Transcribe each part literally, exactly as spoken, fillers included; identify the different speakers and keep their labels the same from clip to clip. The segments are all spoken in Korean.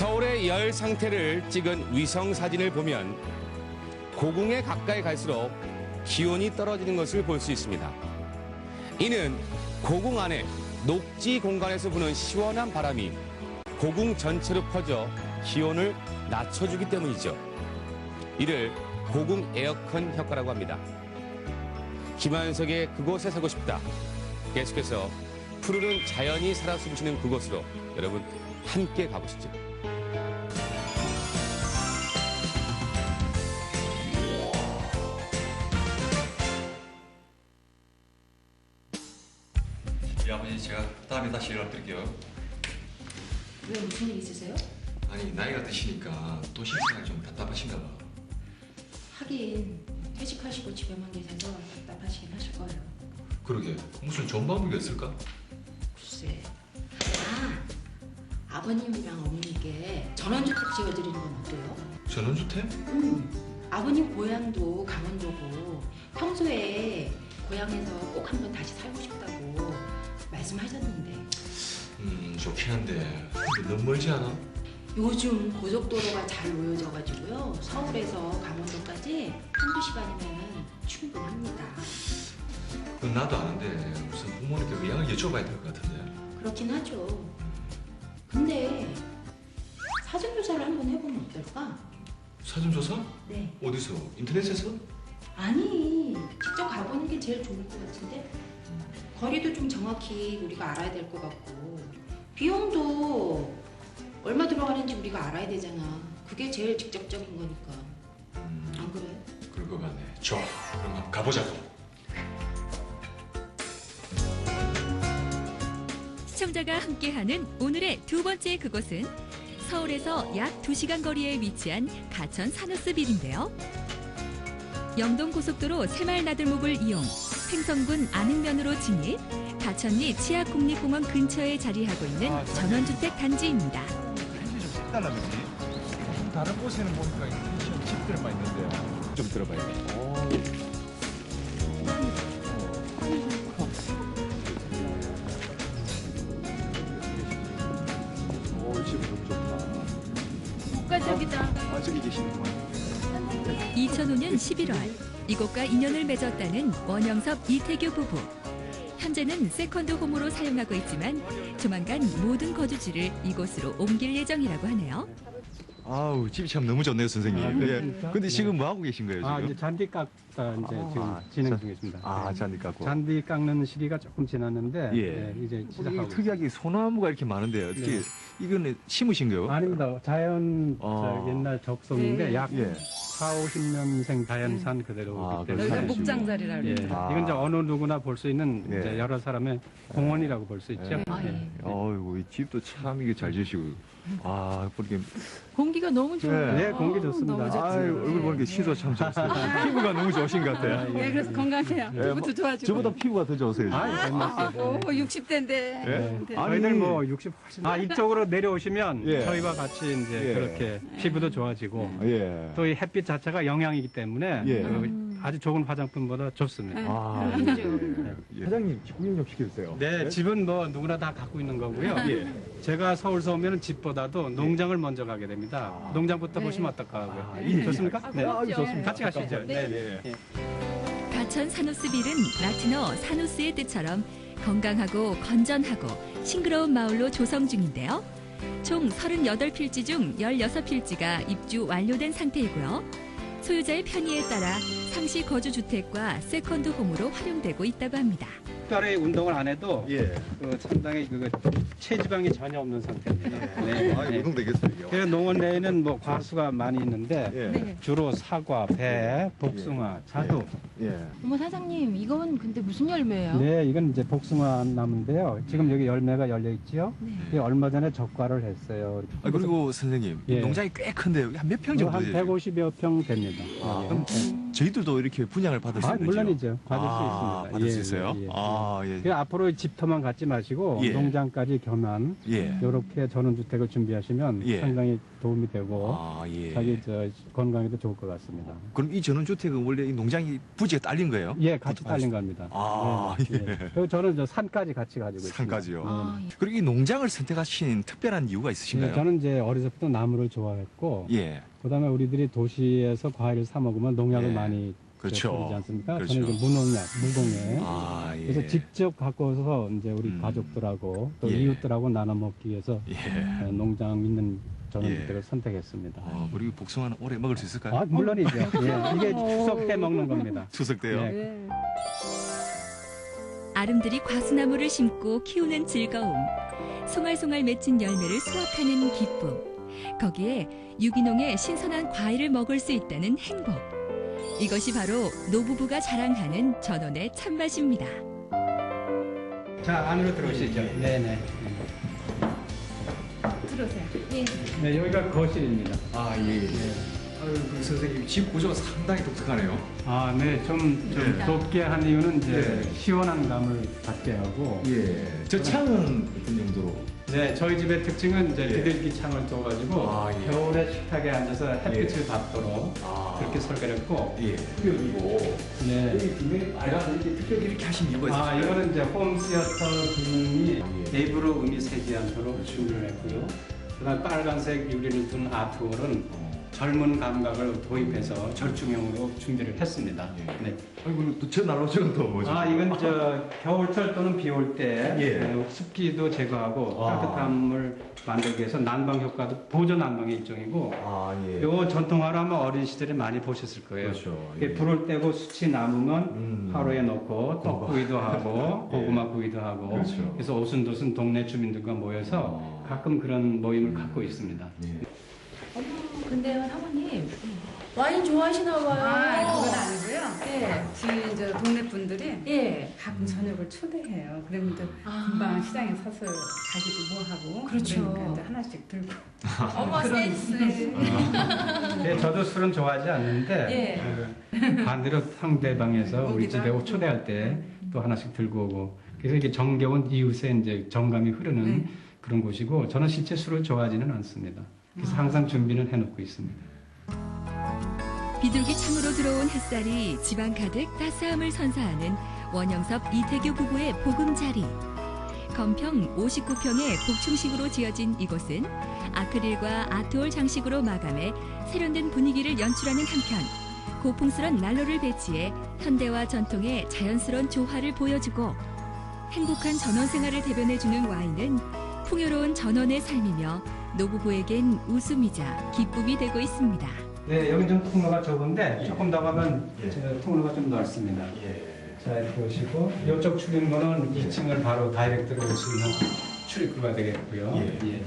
Speaker 1: 서울의 열 상태를 찍은 위성 사진을 보면 고궁에 가까이 갈수록 기온이 떨어지는 것을 볼 수 있습니다. 이는 고궁 안에 녹지 공간에서 부는 시원한 바람이 고궁 전체로 퍼져 기온을 낮춰주기 때문이죠. 이를 고궁 에어컨 효과라고 합니다. 김한석의 그곳에 살고 싶다. 계속해서 푸르른 자연이 살아 숨쉬는 그곳으로 여러분 함께 가보시죠.
Speaker 2: 예, 아버지 제가 다음에 다시 연락드릴게요.
Speaker 3: 왜 무슨 일 있으세요?
Speaker 2: 아니 나이가 드시니까 도시 생활 좀 답답하신가 봐.
Speaker 3: 하긴 퇴직하시고 집에만 계셔서 답답하시긴 하실 거예요.
Speaker 2: 그러게 무슨 좋은 방법이 있을까?
Speaker 3: 글쎄. 아, 아버님이랑 어머니께 전원주택 지어드리는 건 어때요?
Speaker 2: 전원주택?
Speaker 3: 음, 아버님 고향도 강원도고 평소에 고향에서 꼭 한번 다시 살고 싶다고 말씀하셨는데
Speaker 2: 음 좋긴 한데 근데 너무 멀지 않아?
Speaker 3: 요즘 고속도로가 잘 놓여져가지고요 서울에서 강원도까지 한두 시간이면 충분합니다.
Speaker 2: 그건 나도 아는데 무슨 부모님께 의향을 여쭤봐야 될 것 같은데.
Speaker 3: 그렇긴 하죠. 근데 사전조사를 한번 해보면 어떨까?
Speaker 2: 사전조사?
Speaker 3: 네.
Speaker 2: 어디서? 인터넷에서?
Speaker 3: 아니, 직접 가보는 게 제일 좋을 것 같은데? 거리도 좀 정확히 우리가 알아야 될 것 같고 비용도 얼마 들어가는지 우리가 알아야 되잖아. 그게 제일 직접적인 거니까.
Speaker 2: 음,
Speaker 3: 안 그래?
Speaker 2: 그럴 것 같네. 좋아. 그럼 한번 가보자고.
Speaker 4: 시청자가 함께하는 오늘의 두 번째 그곳은 서울에서 약 두 시간 거리에 위치한 가천 사누스빌인데요. 영동고속도로 새마을나들목을 이용 횡성군 안흥면으로 진입, 가천리 치악국립공원 근처에 자리하고 있는
Speaker 5: 아,
Speaker 4: 전원주택 단지입니다.
Speaker 5: 펜션이 좀 색달라 그지? 다른 곳에는 보니까 펜션 집들만 있는데 좀 들어봐야 돼. 오. 오, 집 너무 좋다.
Speaker 3: 국가적이다.
Speaker 5: 아, 저기 계시는구만.
Speaker 4: 이천오 년 십일월 이곳과 인연을 맺었다는 원영섭 이태규 부부. 현재는 세컨드 홈으로 사용하고 있지만 조만간 모든 거주지를 이곳으로 옮길 예정이라고 하네요.
Speaker 5: 아우, 집이 참 너무 좋네요, 선생님.
Speaker 6: 아,
Speaker 5: 예.
Speaker 6: 그렇습니까?
Speaker 5: 근데 지금
Speaker 6: 네.
Speaker 5: 뭐 하고 계신 거예요, 지금?
Speaker 6: 아, 이제 잔디 깎다 이제
Speaker 5: 아,
Speaker 6: 지금
Speaker 5: 아,
Speaker 6: 진행
Speaker 5: 잔-
Speaker 6: 중이십니다.
Speaker 5: 아,
Speaker 6: 네.
Speaker 5: 잔디 깎고.
Speaker 6: 잔디 깎는 시기가 조금 지났는데
Speaker 5: 예.
Speaker 6: 네, 이제
Speaker 5: 이게
Speaker 6: 시작하고
Speaker 5: 특이하게 소나무가 이렇게 많은데 어떻게
Speaker 6: 네.
Speaker 5: 이거는 심으신 거예요?
Speaker 6: 아닙니다. 자연
Speaker 5: 아.
Speaker 6: 저 옛날 적송인데
Speaker 3: 네.
Speaker 6: 약
Speaker 5: 예.
Speaker 6: 사오십 년생 자연산
Speaker 5: 아,
Speaker 6: 그대로이기
Speaker 5: 그래서
Speaker 6: 때문에
Speaker 3: 여기가
Speaker 5: 산이시고.
Speaker 3: 목장자리라
Speaker 6: 예.
Speaker 3: 그래요.
Speaker 5: 아.
Speaker 6: 이건 이제 어느 누구나 볼 수 있는
Speaker 5: 예.
Speaker 6: 이제 여러 사람의 공원이라고 볼 수 있죠.
Speaker 5: 예.
Speaker 3: 아,
Speaker 6: 예.
Speaker 3: 예.
Speaker 5: 어이구, 이 집도 참 이게 잘 지으시고. 아, 보니까.
Speaker 7: 공기가 너무 좋아요.
Speaker 6: 네, 공기 좋습니다.
Speaker 7: 너무 좋죠.
Speaker 5: 아유, 얼굴 보니까 시도 참 좋으세요. 피부가 너무 좋으신 것 같아요.
Speaker 7: 네, 그래서 건강해요.
Speaker 5: 예,
Speaker 7: 피부도
Speaker 5: 뭐,
Speaker 7: 좋아지고.
Speaker 5: 저보다 피부가 더 좋으세요.
Speaker 6: 아, 예,
Speaker 7: 아,
Speaker 6: 네.
Speaker 7: 오, 육십 대인데.
Speaker 5: 예? 아니,
Speaker 6: 저희들 뭐 육십 훨씬 아 이쪽으로 내려오시면
Speaker 5: 예.
Speaker 6: 저희와 같이 이제
Speaker 5: 예.
Speaker 6: 그렇게 피부도 좋아지고
Speaker 5: 예.
Speaker 6: 또 이 햇빛 자체가 영양이기 때문에
Speaker 5: 예.
Speaker 6: 그 아주 좋은 화장품보다 좋습니다.
Speaker 5: 아,
Speaker 3: 그렇죠.
Speaker 5: 예. 예. 사장님, 구경 좀 시켜주세요.
Speaker 6: 네, 집은 뭐 누구나 다 갖고 있는 거고요.
Speaker 5: 예.
Speaker 6: 제가 서울서 오면 집보다도 농장을 먼저 가게 됩니다. 농장부터
Speaker 7: 네.
Speaker 6: 보시면 어떨까 하고요.
Speaker 5: 아, 예.
Speaker 6: 좋습니까? 네.
Speaker 5: 아, 좋습니다.
Speaker 6: 같이 가시죠. 네.
Speaker 5: 예.
Speaker 6: 네.
Speaker 4: 가천 사누스빌은 라틴어 사누스의 뜻처럼 건강하고 건전하고 싱그러운 마을로 조성 중인데요. 총 서른여덟 필지 중 열여섯 필지가 입주 완료된 상태이고요. 소유자의 편의에 따라 상시 거주 주택과 세컨드 홈으로 활용되고 있다고 합니다.
Speaker 6: 특별히 운동을 안 해도
Speaker 5: 예.
Speaker 6: 그 상당히 그 체지방이 전혀 없는 상태입니다. 네.
Speaker 5: 아,
Speaker 6: 네.
Speaker 5: 운동 되겠어요. 이게.
Speaker 6: 그래서 농원 내에는 뭐 과수가 많이 있는데
Speaker 5: 예.
Speaker 7: 네.
Speaker 6: 주로 사과, 배, 복숭아, 자두.
Speaker 5: 예.
Speaker 7: 어머, 사장님, 이건 근데 무슨 열매예요?
Speaker 6: 네, 이건 이제 복숭아 나무인데요. 지금 여기 열매가 열려 있지요.
Speaker 7: 네.
Speaker 6: 이게 얼마 전에 적과를 했어요.
Speaker 5: 아, 그리고 선생님, 이
Speaker 6: 예.
Speaker 5: 농장이 꽤 큰데 한 몇 평 정도
Speaker 6: 한
Speaker 5: 되죠?
Speaker 6: 백오십여 평 됩니다.
Speaker 5: 아,
Speaker 6: 예.
Speaker 5: 그럼
Speaker 6: 네.
Speaker 5: 저희도 집들도 이렇게 분양을 받을 수
Speaker 6: 아,
Speaker 5: 있는 거죠?
Speaker 6: 물론이죠. 받을
Speaker 5: 아,
Speaker 6: 수 있습니다.
Speaker 5: 받을
Speaker 6: 예,
Speaker 5: 수 있어요?
Speaker 6: 예, 예.
Speaker 5: 아, 예.
Speaker 6: 그 앞으로 집터만 갖지 마시고
Speaker 5: 예.
Speaker 6: 농장까지 겸한
Speaker 5: 예.
Speaker 6: 이렇게 전원주택을 준비하시면
Speaker 5: 예.
Speaker 6: 상당히 도움이 되고
Speaker 5: 아, 예.
Speaker 6: 자기 저 건강에도 좋을 것 같습니다.
Speaker 5: 그럼 이 전원주택은 원래 이 농장이 부지가 딸린 거예요?
Speaker 6: 예, 같이 딸린 겁니다.
Speaker 5: 아,
Speaker 6: 네, 예. 그리고 저는 저 산까지 같이 가지고 있습니다.
Speaker 5: 산까지요?
Speaker 3: 아, 예.
Speaker 5: 그리고 이 농장을 선택하신 특별한 이유가
Speaker 6: 예,
Speaker 5: 있으신가요?
Speaker 6: 저는 이제 어려서부터 나무를 좋아했고
Speaker 5: 예.
Speaker 6: 그다음에 우리들이 도시에서 과일을 사 먹으면 농약을
Speaker 5: 예.
Speaker 6: 많이
Speaker 5: 그렇죠.
Speaker 6: 뿌리지 않습니까?
Speaker 5: 그렇죠.
Speaker 6: 저는 이제 무농약, 무공해.
Speaker 5: 아, 예.
Speaker 6: 그래서 직접 갖고 와서 이제 우리
Speaker 5: 음.
Speaker 6: 가족들하고 또
Speaker 5: 예.
Speaker 6: 이웃들하고 나눠 먹기 위해서
Speaker 5: 예.
Speaker 6: 어, 농장 있는 전원주택을 선택했습니다.
Speaker 5: 어, 우리 복숭아는 오래 먹을 수 있을까요?
Speaker 6: 아, 물론이죠. 예, 이게 추석해 먹는 겁니다.
Speaker 5: 추석 때요?
Speaker 6: 예.
Speaker 7: 네.
Speaker 4: 아름드리 과수나무를 심고 키우는 즐거움, 송알송알 맺힌 열매를 수확하는 기쁨, 거기에 유기농의 신선한 과일을 먹을 수 있다는 행복. 이것이 바로 노부부가 자랑하는 전원의 참맛입니다.
Speaker 6: 자, 안으로 들어오시죠. 네네.
Speaker 7: 들어오세요.
Speaker 6: 네, 여기가 거실입니다.
Speaker 2: 아, 예. 아유, 그 선생님 집 구조가 상당히 독특하네요.
Speaker 6: 아, 네, 좀, 좀
Speaker 2: 네.
Speaker 6: 덥게 한 이유는 이제
Speaker 2: 네.
Speaker 6: 시원한 감을 받게 하고.
Speaker 2: 예. 저 창은 어떤 용도로?
Speaker 6: 네, 저희 집의 특징은 이제
Speaker 2: 예.
Speaker 6: 비둘기 창을 둬가지고
Speaker 2: 아, 예.
Speaker 6: 겨울에 식탁에 앉아서 햇빛을
Speaker 2: 예.
Speaker 6: 받도록
Speaker 2: 아.
Speaker 6: 그렇게 설계를 했고.
Speaker 2: 예. 그리고
Speaker 6: 네.
Speaker 2: 여기 뒷면에 빨간 이렇게 특별히 이렇게 하신 이유가 있어요.
Speaker 6: 아, 이거는 이제 홈시어터 기능이
Speaker 2: 예.
Speaker 6: 내부로 음이 새지 않도록 준비를 했고요. 그다음 빨간색 유리를 둔 아트홀은
Speaker 2: 어.
Speaker 6: 젊은 감각을 도입해서 절충형으로 준비를 했습니다.
Speaker 2: 예.
Speaker 6: 네.
Speaker 2: 아이고, 또저 나로 저건 또 뭐죠?
Speaker 6: 아, 이건 저 겨울철 또는 비 올 때
Speaker 2: 예.
Speaker 6: 어, 습기도 제거하고
Speaker 2: 아.
Speaker 6: 따뜻함을 만들기 위해서 난방 효과도 보조 난방의 일종이고
Speaker 2: 아, 예.
Speaker 6: 요 전통화로 아마 어린 시절에 많이 보셨을 거예요.
Speaker 2: 그렇죠.
Speaker 6: 이게
Speaker 2: 예.
Speaker 6: 불을 떼고 수치 남으면
Speaker 2: 음.
Speaker 6: 화로에 넣고 떡구이도 하고
Speaker 2: 예.
Speaker 6: 고구마 구이도 하고
Speaker 2: 그렇죠.
Speaker 6: 그래서 오순도순 동네 주민들과 모여서
Speaker 2: 어.
Speaker 6: 가끔 그런 모임을 갖고 있습니다.
Speaker 2: 예.
Speaker 8: 어머, 근데요, 사모님. 와인 좋아하시나 봐요.
Speaker 9: 아, 그건 아니고요.
Speaker 8: 예.
Speaker 9: 저희 저 동네 분들이
Speaker 8: 예.
Speaker 9: 가끔 저녁을 초대해요. 그러면 또
Speaker 8: 아.
Speaker 9: 금방 시장에 사서 가기도 뭐 하고.
Speaker 8: 그렇죠.
Speaker 9: 그러니까 이제 하나씩 들고.
Speaker 8: 어머, 센스.
Speaker 6: 예, 저도 술은 좋아하지 않는데
Speaker 8: 예.
Speaker 6: 그 반대로 상대방에서 우리
Speaker 8: 오기도
Speaker 6: 집에
Speaker 8: 하고.
Speaker 6: 초대할 때 또 하나씩 들고 오고 그래서 이게 정겨운 이웃의 이제 정감이 흐르는
Speaker 8: 네.
Speaker 6: 그런 곳이고 저는 실제 술을 좋아하지는 않습니다. 그래서 항상 준비는 해놓고 있습니다.
Speaker 4: 비둘기 창으로 들어온 햇살이 집안 가득 따스함을 선사하는 원영섭 이태규 부부의 보금자리. 건평 오십구 평의 복층식으로 지어진 이곳은 아크릴과 아트홀 장식으로 마감해 세련된 분위기를 연출하는 한편 고풍스런 난로를 배치해 현대와 전통의 자연스러운 조화를 보여주고 행복한 전원 생활을 대변해주는 와인은 풍요로운 전원의 삶이며 노부부에겐 웃음이자 기쁨이 되고 있습니다.
Speaker 6: 네, 여기 좀 통로가 좁은데 조금 더 가면
Speaker 2: 예.
Speaker 6: 저 통로가 좀 넓습니다.
Speaker 2: 예.
Speaker 6: 자, 이렇게 보시고 이쪽 출입문은 이 층을 바로 다이렉트로 올 수 있는 출입구가 되겠고요.
Speaker 2: 예.
Speaker 6: 예.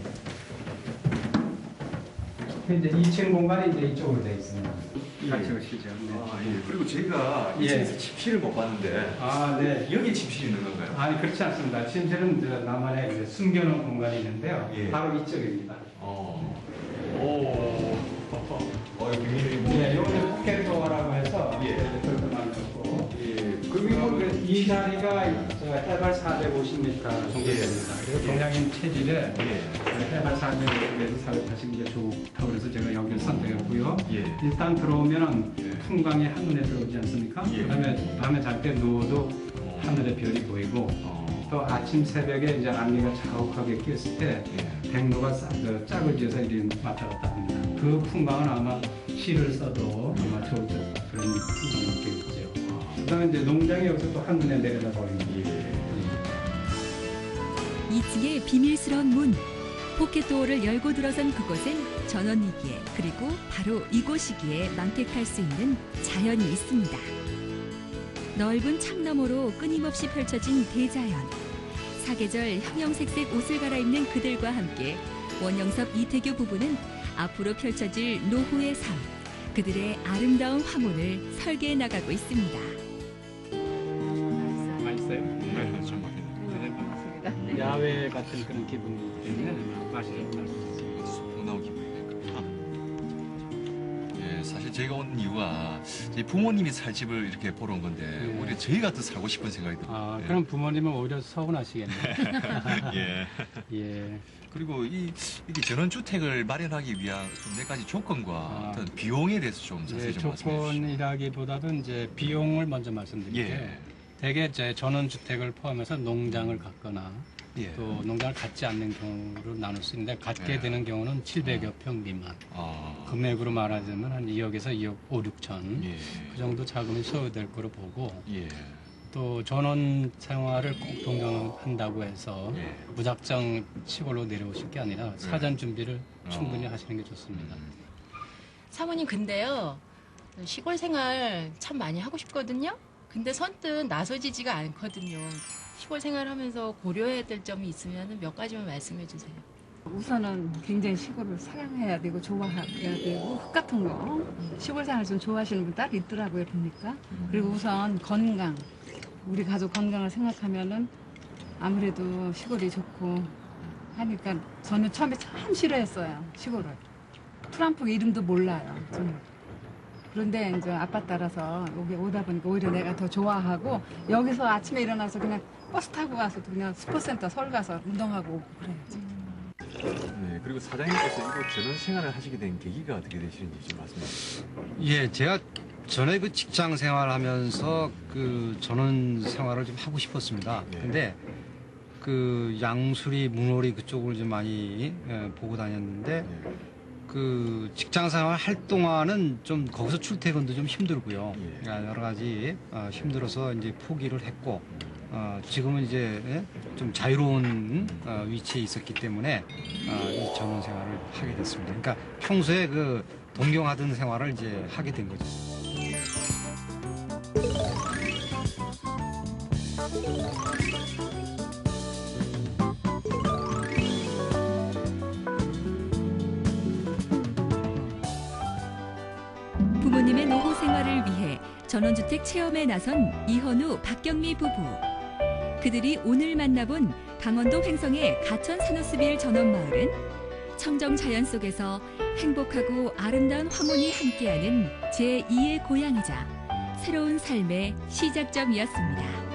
Speaker 6: 이제 이 층 공간이 이제 이쪽으로 되어 있습니다. 같이 오시죠. 네.
Speaker 2: 아, 예. 그리고 저희가
Speaker 6: 예.
Speaker 2: 이 층에서 침실을 못 봤는데
Speaker 6: 아, 네.
Speaker 2: 여기 침실이 있는 건가요?
Speaker 6: 아니 그렇지 않습니다. 침실은 저 나만의 이제 숨겨놓은 공간이 있는데요.
Speaker 2: 예.
Speaker 6: 바로 이쪽입니다.
Speaker 2: 어. 오. 어, 여기 비밀이 뭐.
Speaker 6: 예, 여기는 포켓도어라고 해서
Speaker 2: 예.
Speaker 6: 이렇게 만들었고
Speaker 2: 예.
Speaker 6: 그리고 이 자리가 저 해발 사백오십 미터 정도 됩니다. 그래서 동양인 체질에
Speaker 2: 예.
Speaker 6: 해발 사백오십 미터 사백팔십 미터 좋다고 그래서 제가 여기를 선택했고요.
Speaker 2: 예.
Speaker 6: 일단 들어오면은
Speaker 2: 예.
Speaker 6: 풍광이 한눈에 들어오지 않습니까?
Speaker 2: 예.
Speaker 6: 그다음에 밤에 잘 때 누워도
Speaker 2: 어.
Speaker 6: 하늘에 별이 보이고
Speaker 2: 어.
Speaker 6: 또 아침 새벽에 이제 안개가 자욱하게 꼈을 때
Speaker 2: 예.
Speaker 6: 백로가 싹, 그 짝을 지어서 이렇게 왔다 갔다 합니다. 그 풍광은 아마 시를 써도 아마 좋을 듯 그런 풍광이 있겠죠. 그 다음에 이제 농장이 여기서 또 한눈에 내려다 버립니다.
Speaker 4: 이 층의 비밀스러운 문. 포켓도어를 열고 들어선 그곳엔 전원이기에 그리고 바로 이곳이기에 만끽할 수 있는 자연이 있습니다. 넓은 창 너머로 끊임없이 펼쳐진 대자연. 사계절 형형색색 옷을 갈아입는 그들과 함께 원영섭 이태규 부부는 앞으로 펼쳐질 노후의 삶, 그들의 아름다운 화문을 설계해 나가고 있습니다.
Speaker 6: 맛있어요?
Speaker 2: 네, 정말.
Speaker 6: 네. 야외 같은 그런 기분이기 때문에 맛이 좀 날 수 있습니다.
Speaker 2: 소풍 나온 기분이니까. 예, 사실 저희가 온 이유가 저희 부모님이 살 집을 이렇게 보러 온 건데
Speaker 6: 예.
Speaker 2: 오히려 저희가 더 살고 싶은 생각이 들어요.
Speaker 6: 아,
Speaker 2: 예.
Speaker 6: 그럼 부모님은 오히려 서운하시겠네요.
Speaker 2: 예.
Speaker 6: 예.
Speaker 2: 그리고 이 이게 전원주택을 마련하기 위한 좀 몇 가지 조건과
Speaker 6: 아.
Speaker 2: 어떤 비용에 대해서 좀 자세히
Speaker 6: 예,
Speaker 2: 좀 말씀해 주시죠.
Speaker 6: 조건이라기보다도 이제 비용을 먼저 말씀드릴게요.
Speaker 2: 예.
Speaker 6: 대개 이제 전원주택을 포함해서 농장을 갖거나
Speaker 2: 예.
Speaker 6: 또 농장을 갖지 않는 경우로 나눌 수 있는데 갖게
Speaker 2: 예.
Speaker 6: 되는 경우는 칠백여 평 미만.
Speaker 2: 아.
Speaker 6: 금액으로 말하자면 한 이억에서 이억 오육천.
Speaker 2: 예.
Speaker 6: 그 정도 자금이 소요될 거로 보고
Speaker 2: 예.
Speaker 6: 또 전원 생활을 꼭 동경한다고 해서
Speaker 2: 예.
Speaker 6: 무작정 시골로 내려오실 게 아니라 사전 준비를 충분히
Speaker 2: 어.
Speaker 6: 하시는 게 좋습니다.
Speaker 8: 사모님 근데요 시골 생활 참 많이 하고 싶거든요. 근데 선뜻 나서지지가 않거든요. 시골 생활하면서 고려해야 될 점이 있으면 몇 가지만 말씀해 주세요.
Speaker 9: 우선은 굉장히 시골을 사랑해야 되고 좋아해야 되고 흙 같은 거 시골 생활 좀 좋아하시는 분 딱 있더라고요 보니까. 그리고 우선 건강, 우리 가족 건강을 생각하면은 아무래도 시골이 좋고 하니까 저는 처음에 참 싫어했어요 시골을. 트럼프 이름도 몰라요 저는. 그런데 이제 아빠 따라서 여기 오다 보니까 오히려 내가 더 좋아하고 여기서 아침에 일어나서 그냥 버스 타고 가서 그냥 스포츠센터 서울 가서 운동하고 오고 그래야지.
Speaker 2: 네. 그리고 사장님께서 이곳 전원 생활을 하시게 된 계기가 어떻게 되시는지 좀 말씀해 주시죠.
Speaker 10: 예, 제가 전에 그 직장 생활하면서 그 전원 생활을 좀 하고 싶었습니다.
Speaker 2: 예.
Speaker 10: 근데 그 양수리, 문호리 그쪽을 좀 많이 예, 보고 다녔는데
Speaker 2: 예.
Speaker 10: 그 직장 생활 할 동안은 좀 거기서 출퇴근도 좀 힘들고요.
Speaker 2: 예.
Speaker 10: 여러 가지 어, 힘들어서 이제 포기를 했고 어, 지금은 이제 예, 좀 자유로운 어, 위치에 있었기 때문에 어, 이 전원 생활을 하게 됐습니다. 그러니까 평소에 그 동경하던 생활을 이제 하게 된 거죠.
Speaker 4: 부모님의 노후 생활을 위해 전원주택 체험에 나선 이현우, 박경미 부부. 그들이 오늘 만나본 강원도 횡성의 가천 사노스빌 전원마을은 청정 자연 속에서 행복하고 아름다운 황혼이 함께하는 제이의 고향이자 새로운 삶의 시작점이었습니다.